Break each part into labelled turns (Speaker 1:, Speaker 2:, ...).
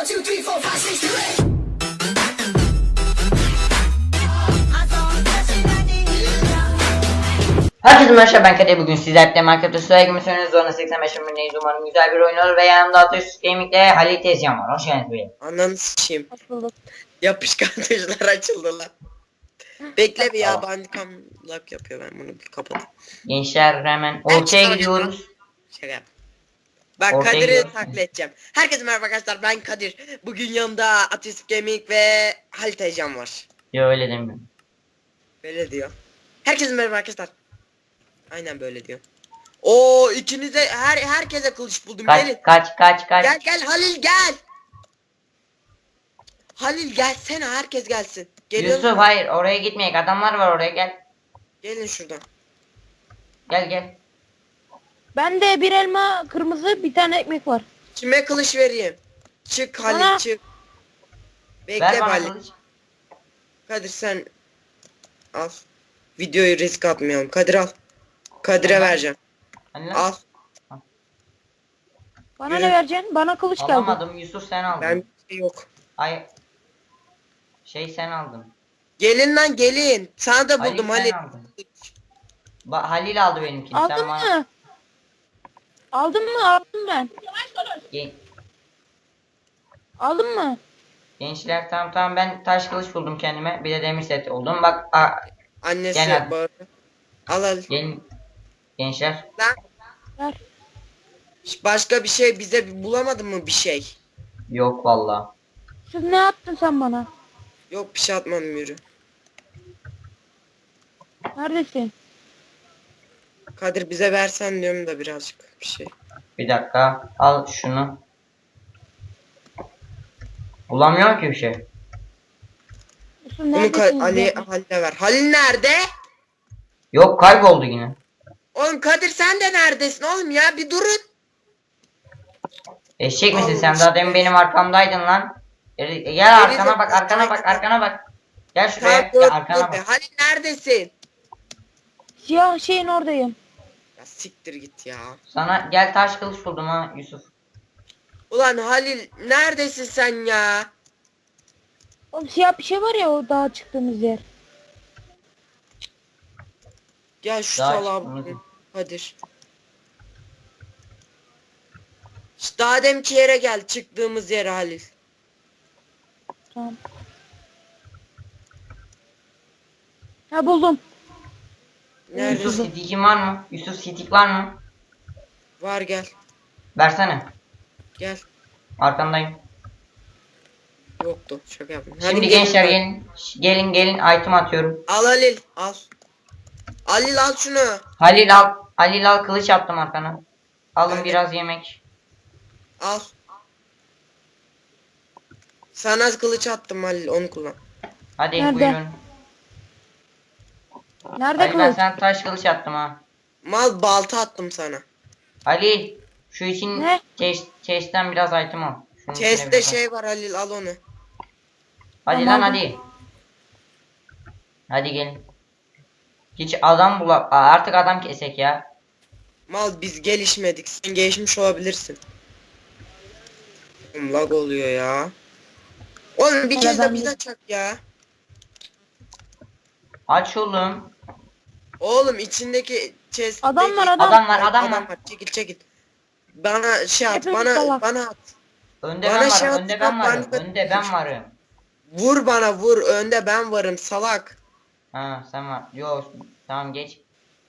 Speaker 1: 2, 3, 4, 5, 6, 7.
Speaker 2: Herkese merhaba, ben Kadir. Bugün sizlerle Minecraft'ta süre girmişsiniz. Zorla 85 bölümündeyiz. Umarım güzel bir oyun olur ve yanımda Ateş Gaming'le Halil Tezcan var. Hoş geldiniz beyim.
Speaker 3: Ananı s**eyim.
Speaker 4: Hoş bulduk.
Speaker 3: Yapışkan tuşlar açıldı lan. Bekle bir ya,
Speaker 2: Tamam.
Speaker 3: bandicam lock yapıyor, ben bunu bir kapatayım.
Speaker 2: Gençler hemen ortaya gidiyoruz.
Speaker 3: Şaka yap. Ben
Speaker 2: Ortaya
Speaker 3: Kadir'i
Speaker 2: gidiyoruz.
Speaker 3: taklit edeceğim. Herkese merhaba arkadaşlar, ben Kadir. Bugün yanımda Ateş Gaming ve Halit Ejcan var.
Speaker 2: Yo, öyle demiyorum.
Speaker 3: Böyle diyor. Herkese merhaba arkadaşlar. Aynen böyle diyor. Oo, ikinize herkese kılıç buldum. Gelin.
Speaker 2: Kaç.
Speaker 3: Gel Halil gel. Halil gelsene, herkes gelsin. Geliyor
Speaker 2: Yusuf,
Speaker 3: musun?
Speaker 2: hayır, oraya gitmeyek. Adamlar var oraya, gel.
Speaker 3: Gelin şuradan.
Speaker 2: Gel.
Speaker 4: Bende bir elma kırmızı, bir tane ekmek var.
Speaker 3: Kime kılıç vereyim? Çık Halil,
Speaker 4: Bana.
Speaker 3: çık.
Speaker 2: Ver
Speaker 3: Bekle
Speaker 2: bana
Speaker 3: Halil.
Speaker 2: kılıç.
Speaker 3: Kadir sen al. Videoyu risk atmayalım. Kadir al. Kadir'e
Speaker 2: Tamam.
Speaker 3: vereceğim.
Speaker 2: Hani lan?
Speaker 3: Al.
Speaker 4: Bana
Speaker 3: Yürü.
Speaker 4: ne vereceksin? Bana kılıç geldi.
Speaker 2: Alamadım, Yusuf sen aldın.
Speaker 3: Ben bir şey yok.
Speaker 2: Ay. Sen aldın.
Speaker 3: Gelin lan gelin. Sana da
Speaker 2: Halil
Speaker 3: buldum
Speaker 2: sen
Speaker 3: Halil.
Speaker 2: aldın. Halil aldı benimkini.
Speaker 4: Aldın
Speaker 2: Sen bana...
Speaker 4: mı? Aldın mı? Aldım ben.
Speaker 2: Gen-
Speaker 4: Aldın mı?
Speaker 2: Gençler, tamam, ben taş kılıç buldum kendime. Bir de demir set oldum. Bak
Speaker 3: Annesi
Speaker 2: Gel hadi.
Speaker 3: bağırdı. Al.
Speaker 2: gelin gençler.
Speaker 3: Lan
Speaker 4: Ver.
Speaker 3: başka bir şey bize bulamadın mı bir şey?
Speaker 2: Yok valla.
Speaker 4: Siz ne yaptın sen bana?
Speaker 3: Yok bir şey atmadım, yürü.
Speaker 4: Neredesin?
Speaker 3: Kadir bize versen diyorum da birazcık bir şey.
Speaker 2: Bir dakika. Al şunu. Bulamıyorum ki bir şey.
Speaker 4: Yusuf
Speaker 3: Bunu
Speaker 4: neredesin?
Speaker 3: Halil'e ver. Halil nerede?
Speaker 2: Yok, kayboldu yine.
Speaker 3: Oğlum Kadir sen de neredesin oğlum ya, bir durun.
Speaker 2: Eşek misin
Speaker 3: Allah
Speaker 2: sen? Daha demin benim arkamdaydın lan. Gel arkana bak, arkana bak. Gel şuraya.
Speaker 3: Tamam,
Speaker 2: Gel arkana
Speaker 3: dur.
Speaker 2: bak.
Speaker 3: Halil neredesin?
Speaker 4: Siyah şeyin oradayım.
Speaker 3: Ya siktir git ya.
Speaker 2: Sana gel, taş kılıç buldum ha Yusuf.
Speaker 3: Ulan Halil neredesin sen ya?
Speaker 4: Oğlum siyah bir şey var ya, o dağa çıktığımız yer.
Speaker 3: Gel şu
Speaker 2: Daha
Speaker 3: salağa
Speaker 2: çıkmadı.
Speaker 3: bakayım. Kadir. İşte daha demki yere gel, çıktığımız yere Halil.
Speaker 4: Tamam. Ha, buldum.
Speaker 2: Yusuf,
Speaker 3: Neredesin?
Speaker 2: stick'in var mı? Yusuf, stick var mı?
Speaker 3: Var, gel.
Speaker 2: Versene.
Speaker 3: Gel.
Speaker 2: Arkandayım.
Speaker 3: Yoktu. Şaka yaptım.
Speaker 2: Şimdi
Speaker 3: Halil,
Speaker 2: gençler
Speaker 3: gelin.
Speaker 2: gelin item atıyorum.
Speaker 3: Al Halil, al. Halil al şunu.
Speaker 2: Halil al, kılıç attım arkana. Alın
Speaker 3: Nerede?
Speaker 2: biraz yemek.
Speaker 3: Al. Sana kılıç attım Halil, onu kullan.
Speaker 2: Hadi
Speaker 4: Nerede?
Speaker 2: buyurun.
Speaker 4: Nerede
Speaker 2: Halil, ben
Speaker 4: kılıç?
Speaker 2: sana taş kılıç attım ha.
Speaker 3: Mal balta attım sana.
Speaker 2: Halil, şu için
Speaker 4: Ne?
Speaker 2: chest'ten biraz item al. Şunun içine
Speaker 3: Chest'te
Speaker 2: biraz al.
Speaker 3: şey var Halil, al onu.
Speaker 2: Hadi
Speaker 4: Tamam.
Speaker 2: lan hadi. Hadi gelin. Hiç adam artık adam kesek ya.
Speaker 3: Mal biz gelişmedik. Sen gelişmiş olabilirsin. Oğlum lag oluyor ya. Oğlum bir
Speaker 4: Hele
Speaker 3: kez de
Speaker 4: ben
Speaker 3: biz
Speaker 4: de-
Speaker 3: açak ya.
Speaker 2: Aç oğlum.
Speaker 3: Oğlum içindeki chest.
Speaker 4: Adam var, adam.
Speaker 2: Adam var.
Speaker 3: Çekil. Bana şey at,
Speaker 4: Hepimiz
Speaker 3: bana
Speaker 4: salak.
Speaker 3: at.
Speaker 2: Önde
Speaker 3: Bana
Speaker 2: ben
Speaker 3: şey
Speaker 2: varım.
Speaker 3: at,
Speaker 2: Önde ben varım.
Speaker 3: ben-
Speaker 2: Önde ben varım.
Speaker 3: Vur bana, vur. Önde ben varım salak.
Speaker 2: Ha, sen var. Yok, tamam geç.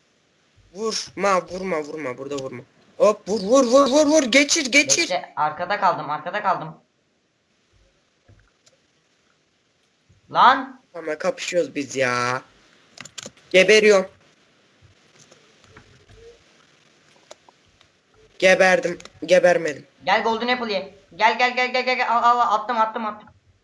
Speaker 3: Vurma burada vurma. Hop vur geçir.
Speaker 2: Bekle, arkada kaldım. Lan.
Speaker 3: Ama kapışıyoruz biz ya. Geberiyorum. Gebermedim.
Speaker 2: Gel Golden Apple ye. Gel. Al, attım.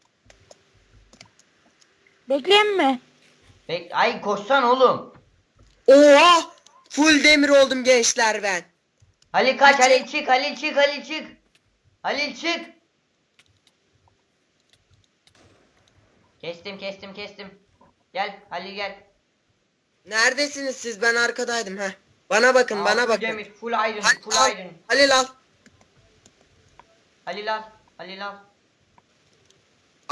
Speaker 4: Bekleyeyim mi?
Speaker 2: Ay koşsan oğlum.
Speaker 3: Oha! Full demir oldum gençler ben.
Speaker 2: Halil kaç, Halil çık. Halil çık. Kestim. Gel Halil gel.
Speaker 3: Neredesiniz siz? Ben arkadaydım ha. Bana bakın,
Speaker 2: Aa,
Speaker 3: bana
Speaker 2: full
Speaker 3: bakın.
Speaker 2: demir, full iron,
Speaker 3: Halil al.
Speaker 2: Halil al.
Speaker 3: Halil al.
Speaker 2: Halil al.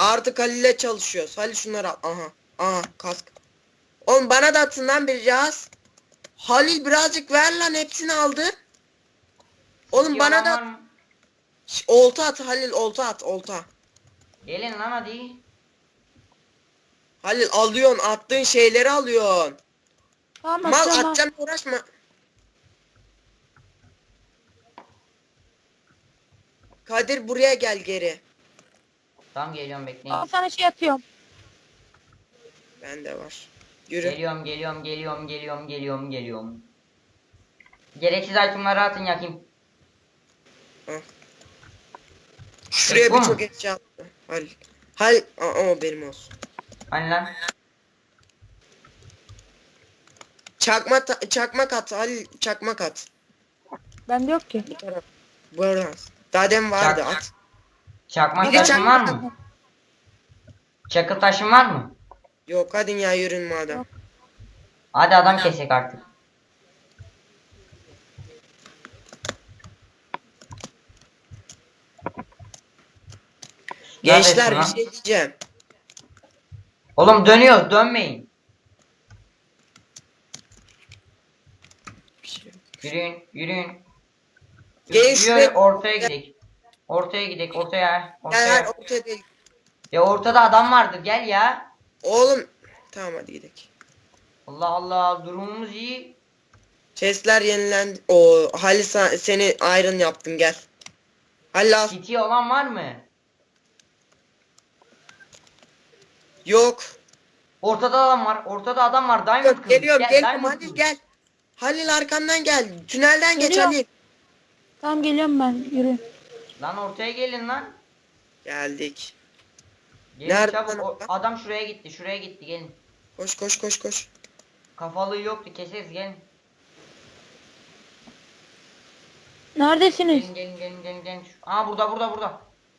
Speaker 3: Artık Halil'le çalışıyoruz. Halil şunları al. Aha. Aha kask. Oğlum bana da atın lan bir cihaz. Halil birazcık ver lan, hepsini aldı. Oğlum
Speaker 2: City
Speaker 3: bana
Speaker 2: olan var
Speaker 3: da
Speaker 2: mı?
Speaker 3: olta at Halil, olta at, olta.
Speaker 2: Gelin lan hadi.
Speaker 3: Halil alıyorsun, attığın şeyleri alıyorsun.
Speaker 4: Tamam
Speaker 3: Mal
Speaker 4: atacağım ha.
Speaker 3: atacağım, uğraşma. Kadir buraya gel geri.
Speaker 2: Tamam geliyorum bekleyin.
Speaker 4: Al sana şey atıyorum.
Speaker 3: Bende var. Yürü.
Speaker 2: Geliyorum. Gereksiz itemları atın yakayım.
Speaker 3: Şuraya
Speaker 2: Bu mu?
Speaker 3: birçok eşya attı. Halil. Halil. Aa, benim olsun.
Speaker 2: Hani lan?
Speaker 3: Çakmak at Halil, çakmak at.
Speaker 4: Bende yok ki.
Speaker 3: Buradan. Daha demin vardı,
Speaker 2: Çak.
Speaker 3: at.
Speaker 2: Çakmak
Speaker 3: Bir de
Speaker 2: taşın var
Speaker 3: çakmak
Speaker 2: mı? Çakıl taşın var mı?
Speaker 3: Yok hadi ya, yürün madem.
Speaker 4: Yok.
Speaker 2: Hadi adam kesek artık.
Speaker 3: Gençler
Speaker 2: Neredesin
Speaker 3: bir
Speaker 2: lan?
Speaker 3: şey diyeceğim.
Speaker 2: Oğlum dönüyoruz, dönmeyin.
Speaker 3: Bir şey yok.
Speaker 2: Yürüyün.
Speaker 3: Gelin
Speaker 2: Yürü,
Speaker 3: şuraya.
Speaker 2: ortaya gidelim. Ortaya.
Speaker 3: Gel ortaya değil.
Speaker 2: Ya ortada adam vardır, gel ya.
Speaker 3: Oğlum. Tamam hadi gidelim.
Speaker 2: Allah Allah, durumumuz iyi.
Speaker 3: Chestler yenilendi. O Halil seni iron yaptım, gel. Halil al.
Speaker 2: City olan var mı?
Speaker 3: Yok.
Speaker 2: Ortada adam var. Diamond
Speaker 3: Yok
Speaker 2: kılıç.
Speaker 3: geliyorum
Speaker 2: Gel,
Speaker 3: geliyorum,
Speaker 2: Diamond
Speaker 3: Halil
Speaker 2: kılıç.
Speaker 3: gel. Halil arkandan gel. Tünelden geç
Speaker 4: Geliyorum.
Speaker 3: Halil.
Speaker 4: Tamam geliyorum ben. Yürü.
Speaker 2: Lan ortaya gelin lan.
Speaker 3: Geldik.
Speaker 2: Gelin
Speaker 3: Nerede
Speaker 2: çabuk.
Speaker 3: lan
Speaker 2: O-
Speaker 3: adam?
Speaker 2: adam şuraya gitti gelin.
Speaker 3: Koş.
Speaker 2: Kafalığı yoktu, keseriz gelin.
Speaker 4: Neredesiniz?
Speaker 2: Gelin. Aa burada.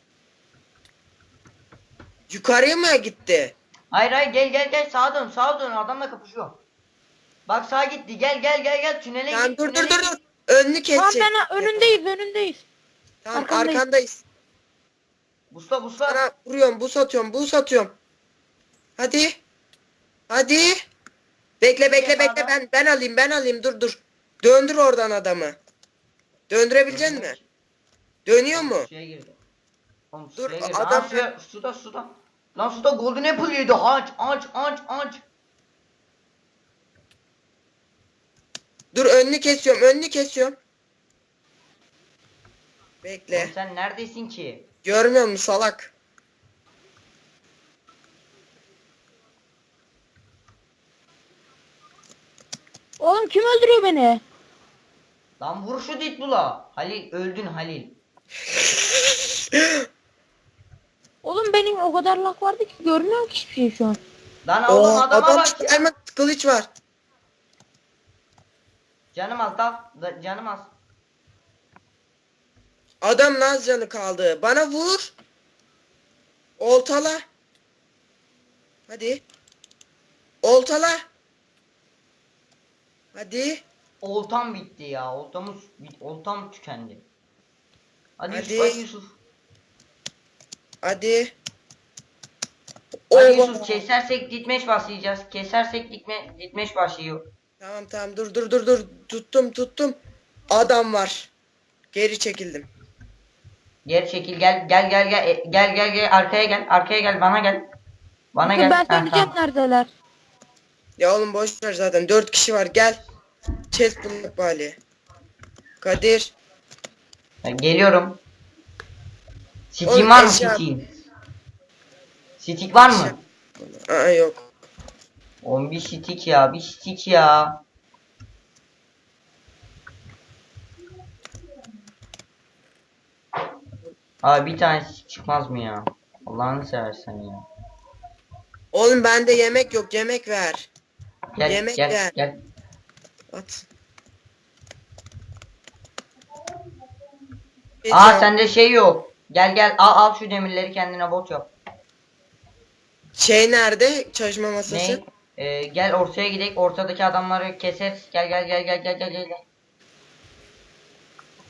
Speaker 3: Yukarıya mı gitti?
Speaker 2: Hayır gel sağa dön adamla kapışıyor. Bak sağa gitti, gel tünele
Speaker 3: Tamam
Speaker 2: git.
Speaker 3: dur.
Speaker 2: tünele git.
Speaker 3: Önünü
Speaker 4: Tamam
Speaker 3: kesecek.
Speaker 4: ben önündeyiz.
Speaker 3: Tamam
Speaker 4: arkandayız.
Speaker 3: arkandayız.
Speaker 2: Busla.
Speaker 3: Sana vuruyorum, bu satıyorum. Hadi. Bekle ben alayım dur. Döndür oradan adamı. Döndürebilecek misin? Dönüyor mu?
Speaker 2: Suya girdi. Oğlum
Speaker 3: Dur,
Speaker 2: suya girdi.
Speaker 3: adam-
Speaker 2: Suda. Lan suda golden apple yedi. Aç.
Speaker 3: Dur önünü kesiyorum. Bekle.
Speaker 2: Oğlum sen neredesin ki?
Speaker 3: Görmüyor musun salak?
Speaker 4: Oğlum kim öldürüyor beni?
Speaker 2: Lan vur şu Deadpool'a. Halil öldün Halil.
Speaker 4: Oğlum benim o kadar lak vardı ki görmüyorum ki hiçbir şey şu an.
Speaker 2: Lan oğlum adama
Speaker 3: adam
Speaker 2: bak ya.
Speaker 3: diamond kılıç var.
Speaker 2: Canım az.
Speaker 3: Adam naz canı kaldı. Bana vur. Oltala. Hadi. Oltala. Hadi.
Speaker 2: Oltam bitti ya. Oltam tükendi. Hadi
Speaker 3: Hadi.
Speaker 2: Yusuf.
Speaker 3: Hadi.
Speaker 2: Hadi
Speaker 3: Oo.
Speaker 2: Yusuf kesersek ditmeş başlayacağız. Ditmeş başlıyor.
Speaker 3: Tamam dur. Tuttum. Adam var. Geri çekildim.
Speaker 2: Geri çekil gel arkaya gel bana gel. Bana gel.
Speaker 4: Ben
Speaker 2: Ha,
Speaker 4: söyleyeceğim
Speaker 2: tamam.
Speaker 4: neredeler.
Speaker 3: Ya oğlum boş ver zaten. 4 kişi var. Gel. Chest bulmak bari. Kadir.
Speaker 2: Ben geliyorum.
Speaker 3: Oğlum,
Speaker 2: Steam var mı
Speaker 3: eşya-
Speaker 2: Steam? Stick var mı?
Speaker 3: Aa yok.
Speaker 2: Oğlum bir stick ya. Abi bir tane stick çıkmaz mı ya? Allah'ını seversen ya.
Speaker 3: Oğlum bende yemek yok. Yemek ver.
Speaker 2: Gel
Speaker 3: Yemek
Speaker 2: gel
Speaker 3: ver.
Speaker 2: gel.
Speaker 3: At.
Speaker 2: Aa sende şey yok. Gel al şu demirleri kendine bot yap.
Speaker 3: Şey nerede? Çalışma masası.
Speaker 2: Ne? Gel ortaya gidelim. Ortadaki adamları keseriz. Gel.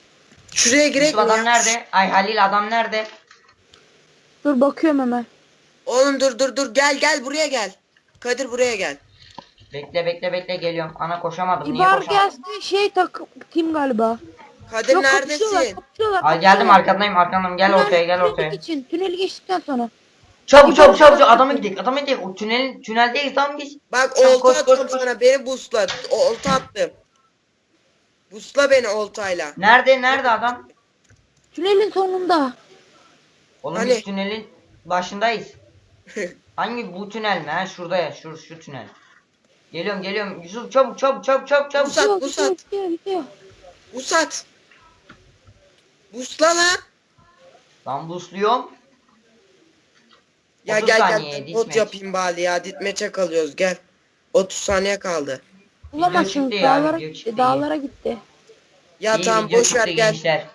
Speaker 3: Şuraya girek
Speaker 2: Yusuf
Speaker 3: mi
Speaker 2: adam
Speaker 3: ya?
Speaker 2: nerede? Ay Halil adam nerede?
Speaker 4: Dur bakıyorum hemen.
Speaker 3: Oğlum dur gel buraya gel. Kadir buraya gel.
Speaker 2: Bekle geliyorum. Ana koşamadım. Niye
Speaker 4: İbar
Speaker 2: koşamadım?
Speaker 4: gelsin şey takım galiba.
Speaker 3: Kadir
Speaker 4: Yok, kapışıyorlar,
Speaker 3: neredesin?
Speaker 4: kapışıyorlar,
Speaker 2: Ay geldim
Speaker 4: kapışıyorlar.
Speaker 2: arkandayım. Gel ortaya gel ortaya.
Speaker 4: Tüneli geçtikten sonra.
Speaker 2: Çabuk
Speaker 4: İbar
Speaker 2: adama
Speaker 4: gelsin.
Speaker 2: gidelim. O tüneldeyiz lan biz.
Speaker 3: Bak
Speaker 2: Sen
Speaker 3: olta
Speaker 2: koş,
Speaker 3: atıyorum
Speaker 2: koş.
Speaker 3: sana. Beni busla. Olta attım. Busla beni oltayla.
Speaker 2: Nerede adam?
Speaker 4: Tünelin sonunda.
Speaker 2: Oğlum
Speaker 3: Hani?
Speaker 2: biz tünelin başındayız. Hangi bu tünel mi? Ha şurada ya şu tünel. Geliyorum. Yusuf çabuk.
Speaker 3: Busat.
Speaker 4: Gidiyor.
Speaker 3: Busat. Busla lan.
Speaker 2: Ben busluyorum.
Speaker 3: Ya
Speaker 2: 30
Speaker 3: gel
Speaker 2: saniye,
Speaker 3: bot
Speaker 2: ditmeç.
Speaker 3: yapayım bari ya. Ditmeçe kalıyoruz gel. 30 saniye kaldı.
Speaker 4: Bulamazsınız.
Speaker 2: çıktı ya,
Speaker 4: Dağlara
Speaker 2: video
Speaker 4: gitti.
Speaker 2: çıktı.
Speaker 4: Dağlara gitti.
Speaker 3: Ya
Speaker 2: İyi
Speaker 3: tamam
Speaker 2: video
Speaker 3: boş ver
Speaker 2: çıktı
Speaker 3: gel.
Speaker 2: gençler.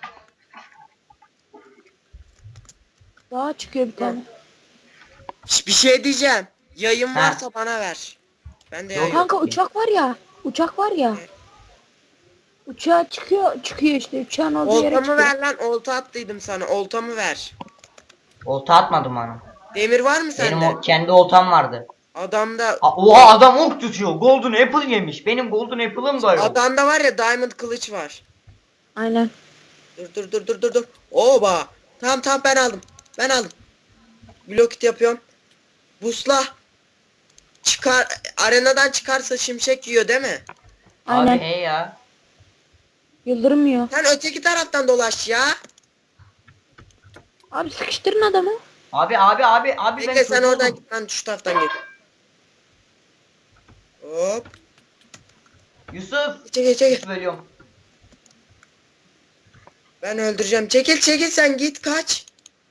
Speaker 4: Dağa çıkıyor bir tane.
Speaker 3: Bir şey diyeceğim. Yayın
Speaker 2: Ha.
Speaker 3: varsa bana ver. Ben de
Speaker 2: Yok,
Speaker 3: yayın.
Speaker 4: Kanka uçak var ya. Uçağa çıkıyor işte. Uçağın olduğu yere
Speaker 3: Oltamı
Speaker 4: çıkıyor.
Speaker 3: ver lan. Olta attıydım sana. Oltamı ver.
Speaker 2: Olta atmadım bana.
Speaker 3: Demir var mı sende?
Speaker 2: Benim kendi oltam vardı.
Speaker 3: Adamda
Speaker 2: Oha adam ok tutuyor. Golden apple yemiş. Benim golden apple'ım da yok.
Speaker 3: adamda var ya diamond kılıç var.
Speaker 4: Aynen.
Speaker 3: Dur. Oba. Tamam ben aldım. Blokit yapıyorum. Busla. Çıkar arenadan çıkarsa şimşek yiyor değil mi?
Speaker 4: Aynen.
Speaker 2: Abi hey ya.
Speaker 4: Yıldırım yiyor.
Speaker 3: Sen öteki taraftan dolaş ya.
Speaker 4: Abi sıkıştırın adamı.
Speaker 2: Abi
Speaker 3: Bekle
Speaker 2: ben
Speaker 3: sen
Speaker 2: çocuğum.
Speaker 3: oradan git ben şu taraftan git. Hop.
Speaker 2: Yusuf.
Speaker 3: Çekil.
Speaker 2: Yusuf ölüyorum.
Speaker 3: Ben öldüreceğim. Çekil sen git kaç.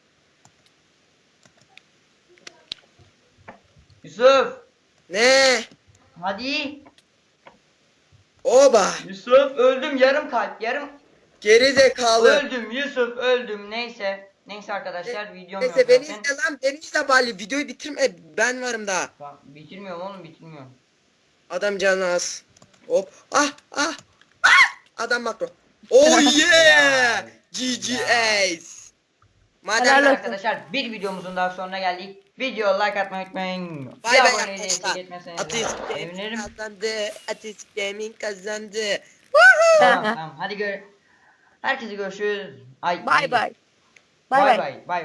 Speaker 2: Yusuf.
Speaker 3: Ne?
Speaker 2: Hadi.
Speaker 3: Oba.
Speaker 2: Yusuf öldüm yarım kalp yarım.
Speaker 3: Geri zekalı.
Speaker 2: Öldüm Yusuf öldüm neyse. Neyse arkadaşlar videom yok
Speaker 3: Neyse beni
Speaker 2: zaten.
Speaker 3: izle lan. Beni izle bari. Videoyu bitirme. Ben varım daha.
Speaker 2: Tamam, bitirmiyorum oğlum bitirmiyorum.
Speaker 3: Adam canı az. Hop. Ah. Adam makro. Oh yeah. GG Ace. Madem
Speaker 4: Helal
Speaker 2: Evet
Speaker 4: olsun.
Speaker 2: arkadaşlar bir videomuzun daha sonuna geldik. Video like atmayı unutmayın.
Speaker 3: Bay
Speaker 2: Bir
Speaker 3: bay
Speaker 2: aboneyi de
Speaker 3: arkadaşlar.
Speaker 2: eksik etmezseniz
Speaker 3: Ateist
Speaker 2: sevinirim.
Speaker 3: Gaming kazandı.
Speaker 2: Tamam hadi herkese görüşürüz. Ay
Speaker 4: Bay bay.
Speaker 2: bay bay.